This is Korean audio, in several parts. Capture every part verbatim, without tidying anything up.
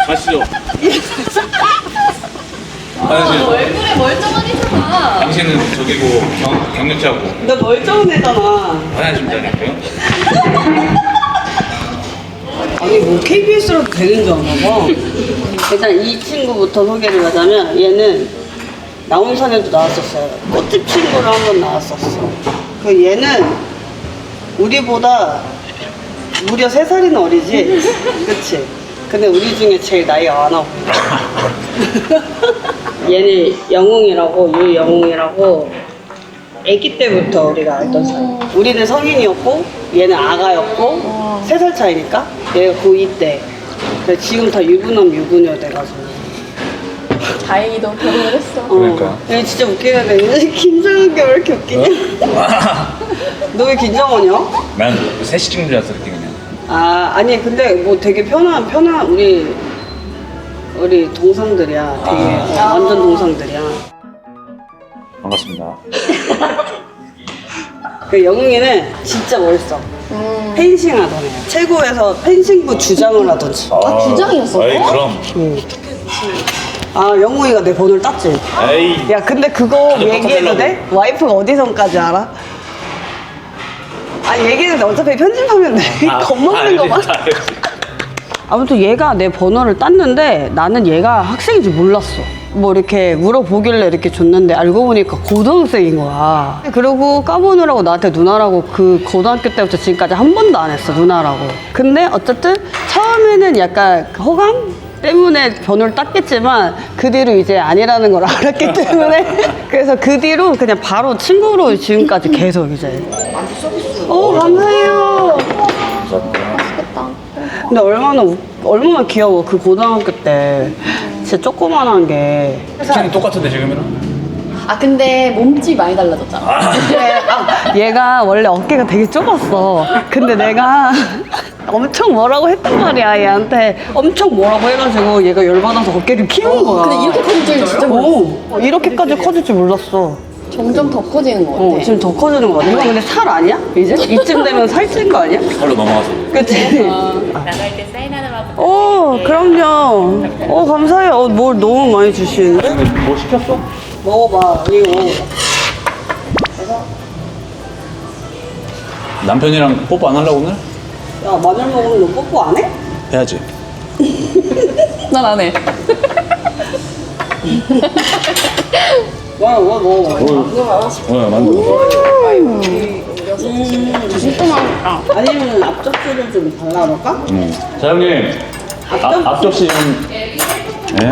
아시죠? 아, 얼굴에 멀쩡하니까. 당신은 저기고 경, 경력자고 너 멀쩡한 애잖아. 화장실 다니고요. 아니 뭐 케이비에스라도 되는 줄 아나 봐. 일단 이 친구부터 소개를 하자면 얘는 나온산에도 나왔었어요. 꽃집 친구로 한 번 나왔었어. 그 얘는 우리보다 무려 세 살이나 어리지? 그치? 근데 우리 중에 제일 나이가 많아 보여. 얘는 영웅이라고, 유영웅이라고 아기 때부터 우리가 알던 사이. 우리는 성인이었고 얘는 아가였고 세 살 차이니까 얘가 고이 때. 그래서 지금 다 유부남 유부녀 돼가지고. 다행히도 결혼을 했어. 어. 그러니까. 얘 진짜 웃기는데 긴장한 게 왜 이렇게 웃기냐? 너 왜 긴장하냐? 난 셋이 찍는 줄 알았어 그때 그냥. 아 아니 근데 뭐 되게 편한 편한 우리 우리 동상들이야. 되게 아. 어, 완전 동상들이야. 반갑습니다. 그 영웅이는 진짜 멋있어. 음. 펜싱 하던 애야. 최고에서 펜싱부 주장을 하던지. 아, 주장이었어? 에이 그럼. 응. 아 영웅이가 내 번호를 땄지. 에이. 야 근데 그거 다들 얘기해도 돼? 와이프가 어디선까지 알아? 아 얘기했는데 어차피 편집하면 돼. 겁먹는 거만. 아무튼 얘가 내 번호를 땄는데 나는 얘가 학생인지 몰랐어. 뭐 이렇게 물어보길래 이렇게 줬는데 알고 보니까 고등학생인 거야. 그리고 까보느라고 나한테 누나라고 그 고등학교 때부터 지금까지 한 번도 안 했어, 누나라고. 근데 어쨌든 처음에는 약간 호감 때문에 번호를 땄겠지만 그 뒤로 이제 아니라는 걸 알았기 때문에 그래서 그 뒤로 그냥 바로 친구로 지금까지 계속 이제. 오 감사해요. 맛있겠다. 근데 얼마나 우- 얼마나 귀여워. 그 고등학교 때 진짜 조그만한 게. 키는 똑같은데 지금이랑? 아, 근데 몸집이 많이 달라졌잖아. 그래. 아, 얘가 원래 어깨가 되게 좁았어. 근데 내가 엄청 뭐라고 했단 말이야. 얘한테 엄청 뭐라고 해가지고 얘가 열받아서 어깨를 키운 거야. 근데 이렇게 커질 줄 진짜 몰랐어. 어, 이렇게까지 커질 줄 몰랐어. 점점 더 커지는 것 같아. 어, 지금 더 커지는 거 같아. 이거 근데 살 아니야? 이제? 이쯤 되면 살찐 거 아니야? 살로 넘어가서. 그치? 나갈 때 사인 하나만 부탁드릴게요. 어, 그럼요. 어, 감사해요. 어, 뭘 너무 많이 주시는데? 뭐 시켰어? 먹어봐. 이거 먹어봐. 남편이랑 뽀뽀 안 하려고 오늘? 야, 마늘 먹으면 너 뽀뽀 안 해? 해야지. 난 안 해. 와, 와, 먹어봐. 어, 만두. 진짜 맛있다. 아니면 앞접시를 좀 발라볼까? 음. 사장님, 앞, 앞접시 좀. 예?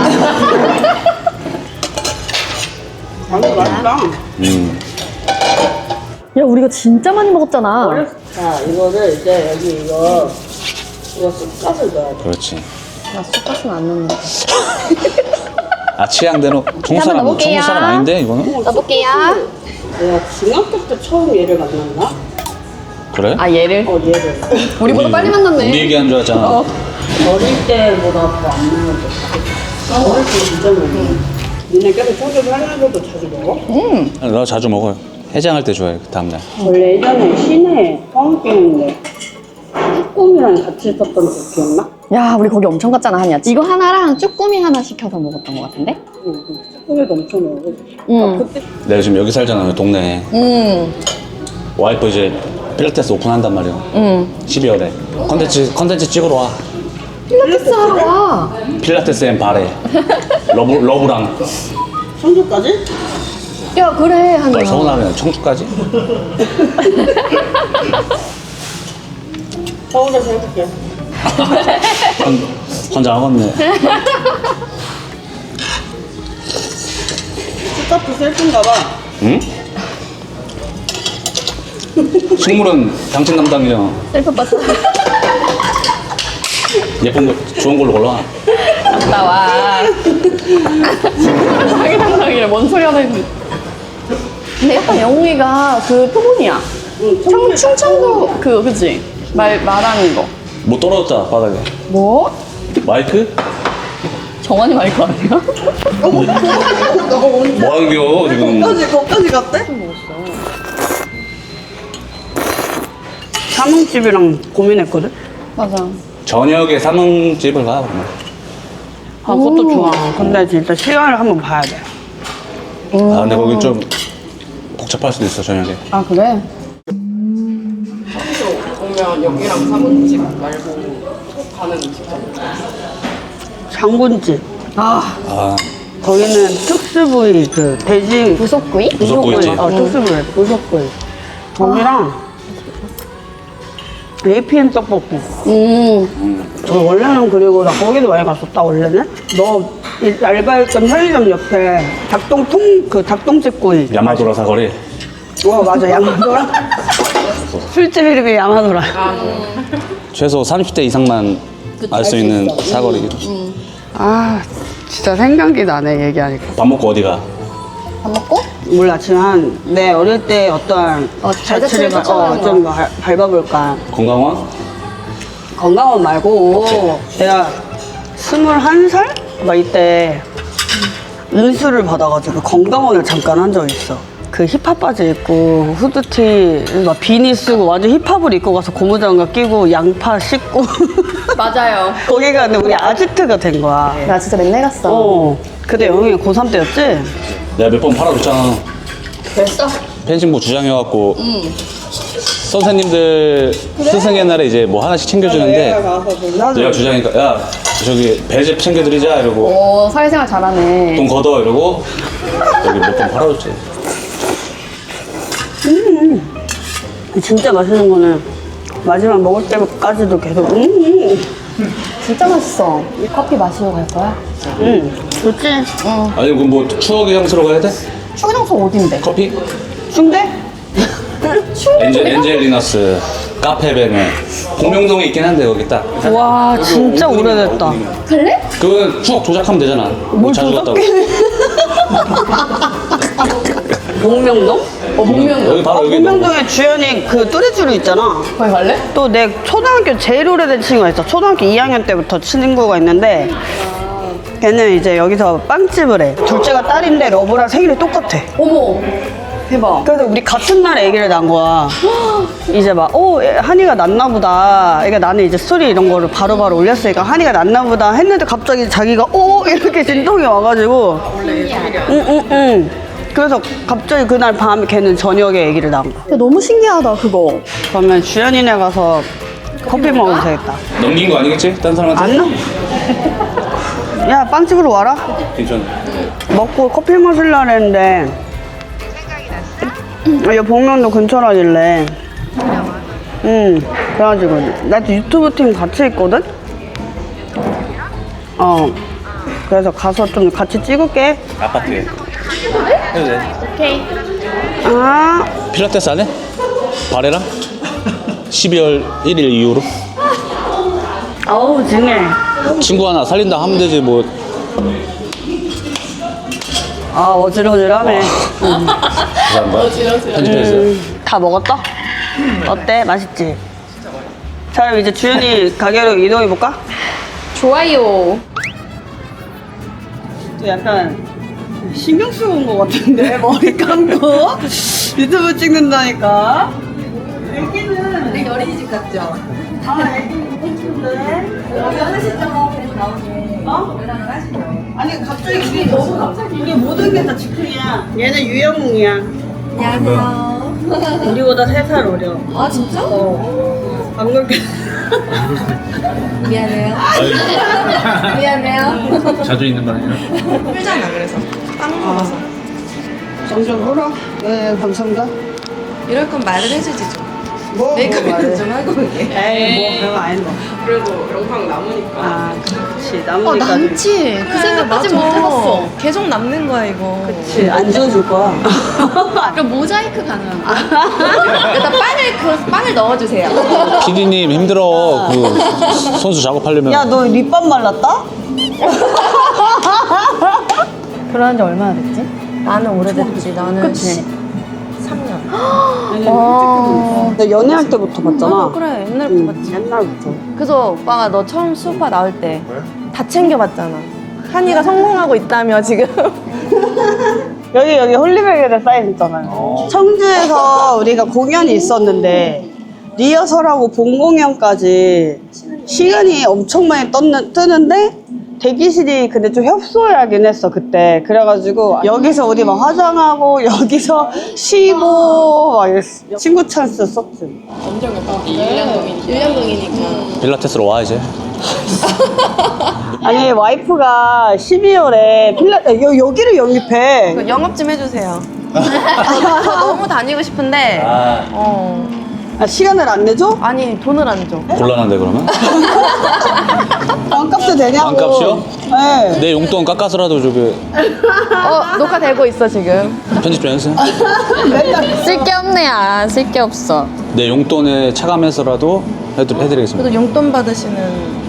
방금 맛있다. 음. 야, 우리가 진짜 많이 먹었잖아. 자, 이거를 이제 여기 이거, 이거 쑥갓을 넣어야 돼. 그렇지. 나 쑥갓은 안 넣는다. 아 취향대로 중국 한번 사람 넣어볼게요. 중국 사람 아닌데 이거는? 넣어볼게요. 내가 중학교 때 처음 얘를 만났나? 그래? 아, 얘를? 어, 얘를. 우리보다 우리- 빨리 만났네. 우리 얘기한 줄 알았잖아. 어. 어릴 때보다 더 안 먹었어. 어릴 때 진짜 먹어. 니네 계속 소주를 하면서도 자주 먹어? 음. 나 자주 먹어요. 해장할 때 좋아해. 그 다음날. 원래 예전에 시내에 뻥튀기인데 쭈꾸미랑 같이 있었던 거 기억나? 야, 우리 거기 엄청 갔잖아, 한야. 이거 하나랑 쭈꾸미 하나 시켜서 먹었던 것 같은데? 응, 응. 쭈꾸미도 엄청 먹어. 응. 아, 그때 내가 지금 여기 살잖아. 동네에. 음. 와이프 이제 필라테스 오픈한단 말이야. 음. 십이월에. 컨텐츠 컨텐츠 찍으러 와. 필라테스 하러 와. 필라테스 앤 바레. 러브 러브랑. 청주까지? 야, 그래, 한야. 널 서운하면 청주까지? 서울에서 해볼게. 혼, 혼자 하겠네. 스타프 셀프인가 봐. 응? 식물은 당신 담당이잖아. 셀프 봤어? 예쁜 거 좋은 걸로 골라. 나와. 자기 담당이래. 뭔 소리 하나 했는데. 근데 약간 영웅이가 그 표본이야. 응, 청, 충청도 그, 그치? 말, 말하는 거. 뭐 떨어졌다 바닥에. 뭐? 마이크? 정환이 마이크 아니야? 너 언제? 뭐 하는겨 지금? 거기까지, 거기까지 갔대? 삼흥집이랑 고민했거든? 맞아. 저녁에 삼흥집을 가 그러면. 아, 그것도 좋아. 근데 진짜 시간을 한번 봐야 돼. 아 근데 거기 좀 복잡할 수도 있어 저녁에. 아, 그래? 그러면 여기랑 사문집 말고 속 가는 직접 장군집. 아, 아 거기는 특수부위, 그, 돼지. 부속구이? 부속구이지. 어, 특수부위, 부속구이. 거기랑 에이피엠 떡볶이. 음. 저 원래는 그리고 나 거기도 많이 갔었다, 원래는? 너 이 알바했던 편의점 옆에 닭똥통, 그 닭똥집구이. 야마도라 사거리. 와, 맞아, 야마도라. 술집 이름이 야마도라. 최소 삼십 대 이상만 알 수 있는 사거리. 아, 진짜 생각이 나네, 얘기하니까. 밥 먹고 어디가? 밥 먹고? 몰랐지만 내 어릴 때 어떤 어, 자취를 자취를 가- 쫓아가는 어, 좀 밟- 밟아볼까. 건강원? 건강원 말고 내가 스물한 살? 막 이때 인수를 받아가지고 건강원을 잠깐 한 적이 있어. 그 힙합 바지 입고 후드티 막 비니 쓰고 완전 힙합을 입고 가서 고무장갑 끼고 양파 씻고 맞아요. 거기가 근데 우리 아지트가 된 거야. 나 진짜 맨날 갔어. 어. 그때 영웅이 고삼 때였지? 내가 몇 번 팔아줬잖아. 됐어? 펜싱부 주장해갖고 선생님들 스승의 날에 이제 뭐 하나씩 챙겨주는데 가서 놀라. 내가 주장이니까 야 저기 배즙 챙겨드리자 이러고 오, 사회생활 잘하네. 돈 걷어 이러고 여기 몇 번 팔아줬지. 진짜 맛있는 거는 마지막 먹을 때까지도 계속 음, 진짜 맛있어. 커피 마시러 갈 거야? 음, 좋지? 아니 그럼 뭐 추억의 향수로 가야 돼? 추장소 어딘데? 커피? 충대? 엔젤, 엔젤리너스 카페베네 공명동에 있긴 한데 거기 딱 와 진짜 오래됐다. 갈래? 그건 추억 조작하면 되잖아. 뭐 자주 갔다고. 목명동? 어, 목면 여기 바로 여기 너무 목명동에 주연이 그 뚜레쥬르 있잖아. 거기 갈래? 또 내 초등학교 제일 오래된 친구가 있어. 초등학교 이 학년 때부터 친구가 있는데 걔는 이제 여기서 빵집을 해. 둘째가 딸인데 러브랑 생일이 똑같아. 어머, 대박. 그래서 우리 같은 날에 아기를 낳은 거야. 이제 막, 어, 한이가 낳나 보다. 그러니까 나는 이제 스토리 이런 거를 바로바로 올렸으니까 한이가 낳나 보다 했는데 갑자기 자기가, 어, 이렇게 진동이 와가지고. 응, 응, 응. 그래서 갑자기 그날 밤에 걔는 저녁에 아기를 낳은 거야. 야, 너무 신기하다, 그거. 그러면 주연이네 가서 커피 먹으면 되겠다. 넘긴 거 아니겠지? 딴 사람한테? 안 나? 야, 빵집으로 와라. 괜찮아. 먹고 커피 마실라 했는데 여 복면도 근처라길래 응 그래가지고 나도 유튜브 팀 같이 있거든. 어 그래서 가서 좀 같이 찍을게. 아파트에 해도 돼. 오케이. 아 필라테스 안 해? 바레랑? 십이월 일일 이후로? 어우 징해. 친구 하나 살린다 하면 되지 뭐. 아 어질어질하네. 응. 죄송합니다. 편집했어요. 음, 다 먹었다? 어때? 맛있지? 자 그럼 이제 주연이 가게로 이동해볼까? 좋아요. 약간 신경 쓰고 온 것 같은데 머리 감고 유튜브 찍는다니까. 애기는 우리 어린이집 같죠? 아 애기 예쁜데 여기 하시죠. 그리고 나오게. 어? 연락을 하시죠. 아니 갑자기 우리 너무 갑자기 우리 모든 게 다 즉흥이야. 얘는 유영웅이야. 안녕하세요. 우리보다 세 살 어려. 아, 진짜? 어. 방금 미안해요. 미안해요. 자주 있는 말이에요. 풀잖아 그래서 빵 먹어서 점점 울어. 네 감사합니다. 이럴 건 말을 해주지 좀 뭐, 뭐 메이크업이나 좀 하고 올게 에이 뭐 별거 아닌데. 그래도 영상 남으니까 아 그렇지 어, 남으니까. 남지. 그 생각까지 맞아. 못 해봤어. 계속 남는 거야 이거 그렇지 안 지워줄 거야. 그럼 모자이크 가능한 거야? 일단 빵을 그 빵을 넣어주세요 피디님 힘들어. 그 선수 작업하려면. 야 너 립밤 말랐다? 결혼한 지 얼마나 됐지? 나는 오래됐지 나는 그치? 삼 년 아. 나 연애할 때부터 봤잖아. 그래 옛날부터 응, 봤지 옛날부터. 그래서 오빠가 너 처음 수파 나올 때 다 챙겨봤잖아 한이가 성공하고 있다며 지금 여기 여기 홀리베이에 사인 있잖아요. 청주에서 우리가 공연이 있었는데 리허설하고 본 공연까지 시간이 엄청 많이 떴는, 뜨는데 대기실이 근데 좀 협소하긴 했어 그때. 그래가지고 여기서 우리 막 화장하고 여기서 쉬고 막 이랬어. 친구 찬스 썼지. 필라테스로 와 이제. 아니 와이프가 십이월에 필라 여, 여기를 영입해. 그 영업 좀 해주세요. 저 너무 다니고 싶은데 아 어 아, 시간을 안 내줘? 아니 돈을 안 줘. 곤란한데 그러면? 반값도 되냐고. 반값이요? 네. 내 용돈 깎아서라도 저기 어 녹화되고 있어 지금. 편집 좀 해주세요. 쓸 게 없네. 아, 쓸 게 없어. 내 용돈에 차감해서라도 해드, 해드리겠습니다. 그래도 용돈 받으시는.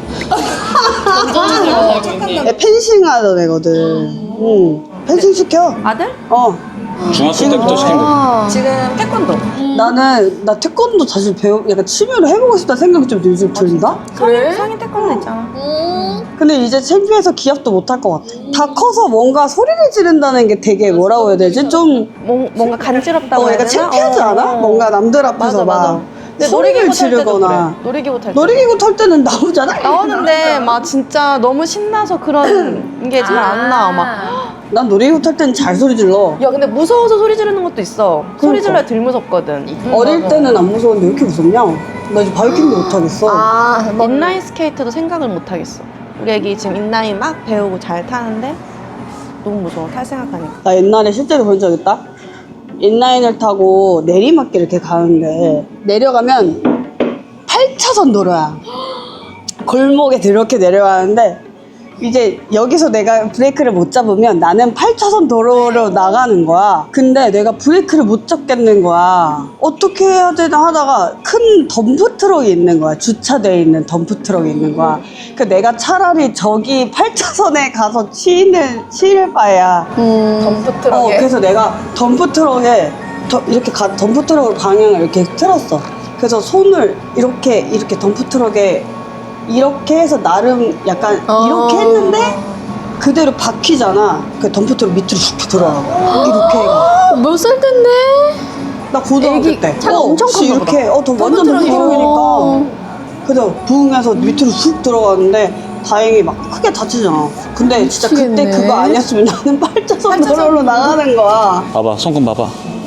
애 펜싱 하던 애거든. 응. 펜싱 시켜. 아들? 어. 중학교 때부터 시키면 돼. 지금 태권도. 나는 나 태권도 다시 배우 약간 취미로 해보고 싶다 생각이 좀 요즘 든다. 그래? 성인 태권도 있잖아. 근데 이제 창피해서 기합도 못 할 것 같아. 다 커서 뭔가 소리를 지른다는 게 되게 뭐라고 해야 되지? 좀 뭐, 뭔가 간지럽다고 어, 해야 약간 되나? 창피하지 어, 않아? 어. 뭔가 남들 앞에서 맞아, 맞아. 막 근데 소리를 놀이기구 탈 때도 지르거나. 그래. 놀이기구 탈 때. 놀이기구 탈 때는 나오잖아? 나오는데 막 진짜 너무 신나서 그런 게 잘 안 나와 막. 난 놀이기구 탈 때는 잘 소리 질러. 야 근데 무서워서 소리 지르는 것도 있어. 소리 그러니까. 질러야 덜 무섭거든. 어릴 때는 안 무서웠는데 왜 이렇게 무섭냐? 나 이제 바이킹도 못 하겠어. 아 인라인 스케이트도 생각을 못 하겠어. 우리 애기 지금 인라인 막 배우고 잘 타는데 너무 무서워. 탈 생각하니까. 나 옛날에 실제로 본 적 있다. 인라인을 타고 내리막길 이렇게 가는데 내려가면 팔 차선 도로야. 골목에 이렇게 내려가는데 이제 여기서 내가 브레이크를 못 잡으면 나는 팔 차선 도로로 나가는 거야. 근데 내가 브레이크를 못 잡겠는 거야. 어떻게 해야 되나 하다가 큰 덤프트럭이 있는 거야. 주차되어 있는 덤프트럭이 있는 거야. 그 내가 차라리 저기 팔 차선에 가서 치인을 치일 바야. 덤프트럭에. 어, 그래서 내가 덤프트럭에 더- 이렇게 가, 덤프트럭을 방향을 이렇게 틀었어. 그래서 손을 이렇게 이렇게 덤프트럭에 이렇게 해서 나름 약간 어. 이렇게 했는데 그대로 박히잖아. 그 덤프트럭 밑으로 쑥 들어가고 이렇게 해가. 몇 살 텐데? 나 고등학교 애기 때 차가 어, 엄청 혹시 컸나 이렇게 어, 더 완전 덤프트럭이니까 그래서 부응해서 밑으로 쑥 들어갔는데 다행히 막 크게 다치지 않아. 근데 진짜 그때 미치겠네. 그거 아니었으면 나는 팔 차선 도로로 나가는 거야. 봐봐 손금 봐봐.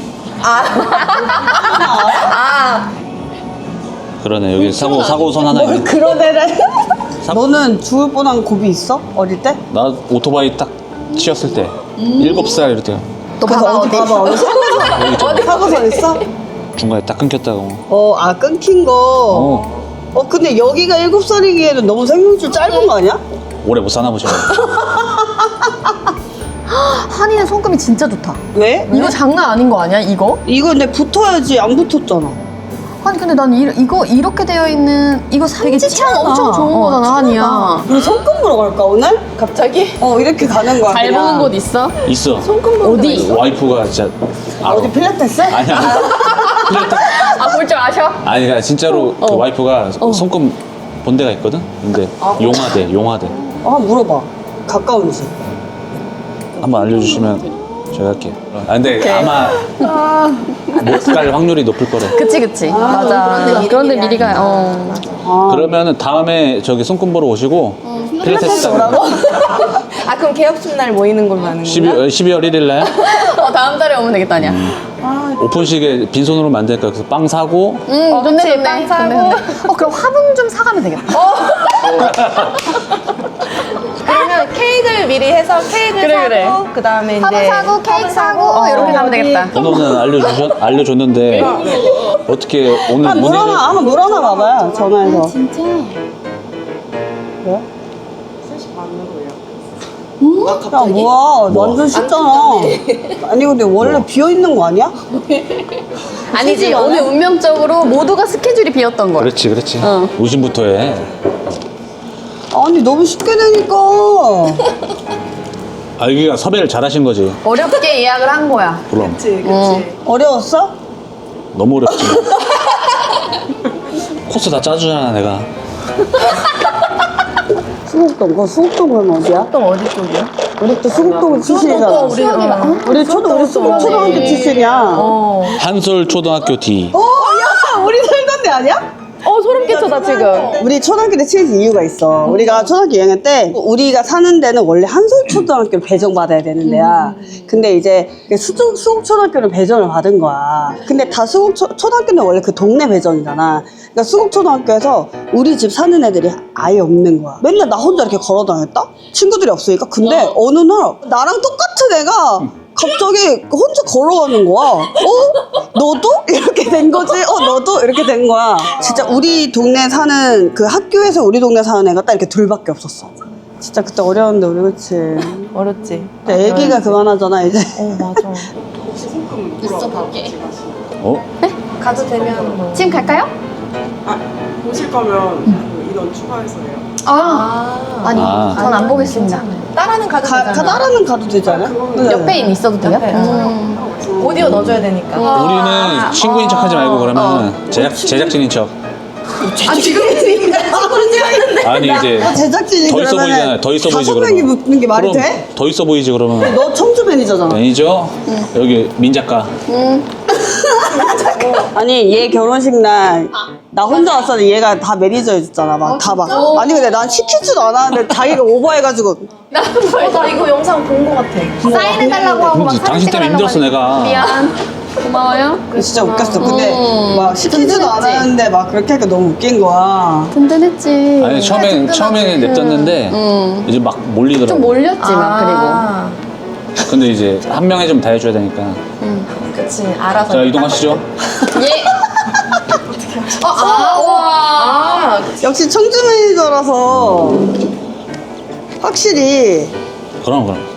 아 그러네 여기 사고 사고선 하나 뭘 있네. 그런 애를 너는 죽을 뻔한 고비 있어? 어릴 때? 나 오토바이 딱 치었을 때 일곱 살 이럴 때 너 그래서 봐봐, 어디 어디. 봐봐 어디 사고선 여기 있잖아. 어디 사고선 있어? 중간에 딱 끊겼다고. 어 아 끊긴 거 어 어 근데 여기가 일곱 살이기에는 너무 생명줄 짧은 거 아니야? 오래 못 사나 보죠. 한이는 손금이 진짜 좋다. 왜? 이거 장난 아닌 거 아니야, 이거? 이거 근데 붙어야지 안 붙었잖아. 아니, 근데 난 이, 이거 이렇게 되어 있는, 이거 삼지창 엄청 좋은 어, 거잖아, 한이야. 우리 손금 보러 갈까 오늘? 갑자기? 어 이렇게 가는 거야 잘 그냥. 보는 곳 있어? 있어. 어디? 와이프가 진짜 알아. 어디 필라테스? 아니야. 필라테스. 아, 볼 줄 아셔? 아니 그러니까 진짜로 그 와이프가 손금 본 데가 있거든. 근데 용화대 용화대 어 한번 물어봐 가까운지. 한번 알려주시면 제가 할게요. 아 근데 아마 못 갈 확률이 높을 거래. 그치, 그치. 맞아. 그런데 미리 가, 어. 아. 그러면은 다음에 저기 손금 보러 오시고 필라테스 뭐라고? 아 그럼 개업식 날 모이는 걸로 하는 거야? 십이월 일 일 날 어, 다음 달에 오면 되겠다, 아니야. 오픈식에 빈손으로 만드니까 그래서 빵 사고 응, 어, 좋네, 그치, 좋네. 빵 사고. 좋네, 좋네. 어, 그럼 화분 좀 사가면 되겠다. 그러면 케이크를 미리 해서 케이크 그래, 사고 그래. 그 다음에 이제 화분 사고, 케이크 사고, 어, 이렇게 가면 되겠다. 번호는 알려주셨, 알려줬는데 어떻게 오늘 한 문의를 물어나 한번 물어나 봐봐요 전화해서. 진짜? 왜? 야 뭐야 뭐? 완전 쉽잖아. 아니 근데 원래 비어 있는 거 아니야? 아니지, 오늘 운명적으로 모두가 스케줄이 비었던 거야. 그렇지 그렇지 어. 우심부터 해. 아니 너무 쉽게 되니까. 아 여기가 섭외를 잘하신 거지. 어렵게 예약을 한 거야. 그럼 어려웠어? 너무 어렵지. 코스 다 짜주잖아 내가. 수국동 그거 수국동 그러면 어디야? 또 어디 쪽이야? 우리 또 수국동 출신이잖아. 우리 어. 우리 초등 우리 수국 초등학교 출신이야. 어. 어. 한솔 초등학교 D. 야 우리 살던 데 아니야? 어 소름 끼쳐다 지금. 우리 초등학교 때 친해진 이유가 있어. 우리가 초등학교 이 학년 때 우리가 사는 데는 원래 한솔초등학교를 배정받아야 되는 데야. 근데 이제 수중, 수국초등학교를 배정을 받은 거야. 근데 다 수국초, 초등학교는 원래 그 동네 배정이잖아. 그러니까 수국초등학교에서 우리 집 사는 애들이 아예 없는 거야. 맨날 나 혼자 이렇게 걸어 다녔다? 친구들이 없으니까. 근데 어. 느 날 나랑 똑같은 애가 갑자기 혼자 걸어가는 거야. 어? 너도? 이렇게 된 거지? 어, 너도? 이렇게 된 거야. 진짜 우리 동네 사는, 그 학교에서 우리 동네 사는 애가 딱 이렇게 둘밖에 없었어. 진짜 그때 어려웠는데, 우리 그치? 어렵지. 근데 애기가 그만하잖아, 이제. 어 맞아. 있어 밖에. 어? 가도 되면 뭐. 지금 갈까요? 보실 거면 그 인원 추가해서 해요. 아, 아니 아. 전 안 보겠습니다. 따라는 가도 가, 되잖아. 가다라는 가도 되지 않아? 네. 옆에 있어도 돼요? 옆에. 음. 오디오 넣어줘야 되니까. 우리는 친구인 척 하지 말고 그러면 제작, 제작진인 척. 아 지금 아니 이제 제작진이 더 있어 그러면은 보이잖아. 더 있어 보이지 다섯 명이 그러면. 붙는 게 말이 그럼 돼? 더 있어 보이지 그러면. 너 청주 매니저잖아. 매니저 여기 민 작가. 아니 얘 결혼식 날 나 혼자 왔었는데 얘가 다 매니저 해줬잖아. 막 다 막. 아니 근데 난 시키지도 않았는데 자기가 오버해가지고 어, 나 이거 영상 본 거 같아. 사인해달라고 하고 막 그렇지, 사진 당신 때문에 찍으려고 힘들었어, 내가. 미안. 고마워요. 진짜 웃겼어. 근데 음. 막 시키지도 든든했지. 않았는데 막 그렇게 하니까 너무 웃긴 거야. 든든했지. 아니 처음엔 처음에는 냅뒀는데 음. 이제 막 몰리더라고. 좀 몰렸지 막 아, 근데 이제 한 명에 좀 다 해줘야 되니까. 그치. 알아서. 자 이동하시죠. 그리고. 예. 아, 아, 와. 역시 청주 매니저라서 확실히 그럼 그럼.